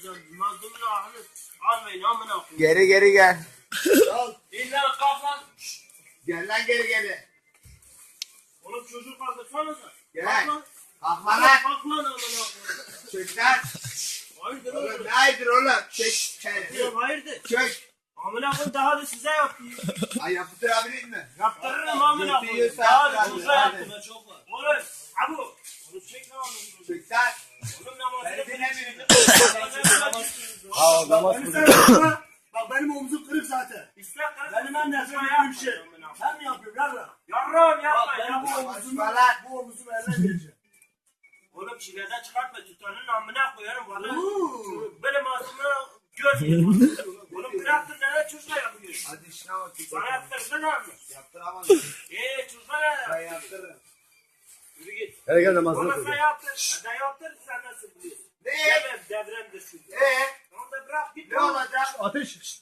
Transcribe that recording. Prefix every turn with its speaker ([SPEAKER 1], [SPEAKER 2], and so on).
[SPEAKER 1] Mazlumun ahını almayın amına koyayım.
[SPEAKER 2] Geri geri gel.
[SPEAKER 1] İlla kalk lan.
[SPEAKER 2] Gel lan geri geri.
[SPEAKER 1] Oğlum çocuk kaldırsanıza.
[SPEAKER 2] Gel.
[SPEAKER 1] Kalk lan.
[SPEAKER 2] Kalkma lan.
[SPEAKER 1] Kalk lan amına koyayım.
[SPEAKER 2] Çök lan.
[SPEAKER 1] Hayırdır
[SPEAKER 2] Oğlum
[SPEAKER 1] oğlum?
[SPEAKER 2] ne hayırdır oğlum? Çök.
[SPEAKER 1] Diyorum hayırdır?
[SPEAKER 2] Çök.
[SPEAKER 1] Amına koyayım daha da size yapayım.
[SPEAKER 2] Ay yaptırabilir mi?
[SPEAKER 1] Yaptırırım amına koyayım.
[SPEAKER 2] Götürüyorsa
[SPEAKER 1] Daha da
[SPEAKER 2] yaptır
[SPEAKER 1] size
[SPEAKER 2] hadi.
[SPEAKER 1] yaptım. Çok var. Oğlum. Abu. Oğlum çek lan amına koyayım.
[SPEAKER 2] Çök lan.
[SPEAKER 1] Oğlum namazını
[SPEAKER 2] Beni dinlemiyorsun.
[SPEAKER 3] Aa namaz kılıyor.
[SPEAKER 4] Bak benim omzum kırık zaten.
[SPEAKER 1] İslam
[SPEAKER 4] Benim en nefret ettiğim şey. Ben mi yapıyorum yarra?
[SPEAKER 1] Yarrağım yapma
[SPEAKER 4] Bak benim bu
[SPEAKER 1] yapma.
[SPEAKER 4] omzumu, bu omzumu eline vereceğim.
[SPEAKER 1] Oğlum çileden çıkartma tutanın amına koyarım bana.
[SPEAKER 4] Uuu.
[SPEAKER 1] Böyle masumuna görmüyorum. Oğlum bıraktın nereye çocuğa yapıyorsun?
[SPEAKER 2] Hadi işine bak.
[SPEAKER 1] Sana yaptırsın abi.
[SPEAKER 2] Yaptıramazsın.
[SPEAKER 1] Çocuğa ne
[SPEAKER 2] Ben
[SPEAKER 1] yap?
[SPEAKER 2] yaptırırım.
[SPEAKER 1] Yürü git.
[SPEAKER 3] Hele gel namazını
[SPEAKER 1] Baba
[SPEAKER 3] kıl.
[SPEAKER 1] sen yaptır. Ben yaptır sen nasıl biliyorsun?
[SPEAKER 2] Ne?
[SPEAKER 1] Demem devrem de şimdi. Tamam da bırak git.
[SPEAKER 2] Ne olacak?
[SPEAKER 3] Ateş.